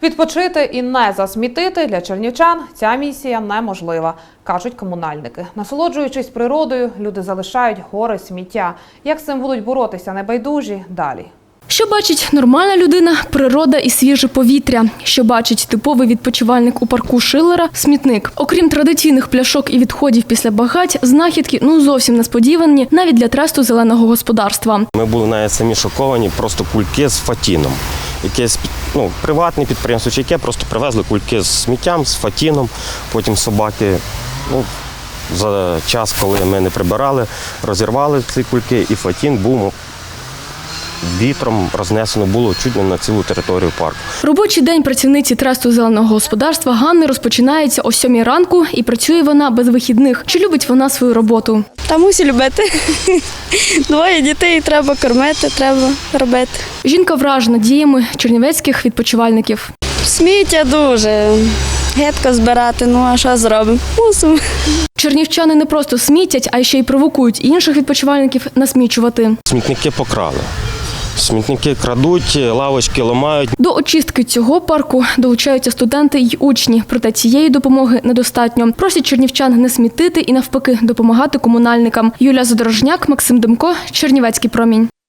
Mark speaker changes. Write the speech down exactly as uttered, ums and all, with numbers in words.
Speaker 1: Відпочити і не засмітити для чернівчан ця місія неможлива, кажуть комунальники. Насолоджуючись природою, люди залишають гори сміття. Як з цим будуть боротися небайдужі – далі.
Speaker 2: Що бачить нормальна людина – природа і свіже повітря. Що бачить типовий відпочивальник у парку Шиллера – смітник. Окрім традиційних пляшок і відходів після багать, знахідки ну зовсім несподівані навіть для тресту зеленого господарства.
Speaker 3: Ми були навіть самі шоковані, просто кульки з фатіном. Якесь ну, приватне підприємство, чи яке просто привезли кульки з сміттям, з фатіном, потім собаки. Ну, за час, коли ми не прибирали, розірвали ці кульки, і фатін був вітром рознесено було чуть не на цілу територію парку.
Speaker 2: Робочий день працівниці тресту зеленого господарства Ганни розпочинається о сьомій ранку і працює вона без вихідних. Чи любить вона свою роботу?
Speaker 4: Та мусить любити. Двоє дітей треба кормити, треба робити.
Speaker 2: Жінка вражена діями чернівецьких відпочивальників.
Speaker 4: Сміття дуже. Гидко збирати, ну а що зробимо? Мусимо.
Speaker 2: Чернівчани не просто смітять, а ще й провокують інших відпочивальників насмічувати.
Speaker 3: Смітники покрали. Смітники крадуть, лавочки ламають.
Speaker 2: До очистки цього парку долучаються студенти й учні. Проте цієї допомоги недостатньо. Просять чернівчан не смітити і навпаки допомагати комунальникам. Юлія Задорожняк, Максим Демко, Чернівецький промінь.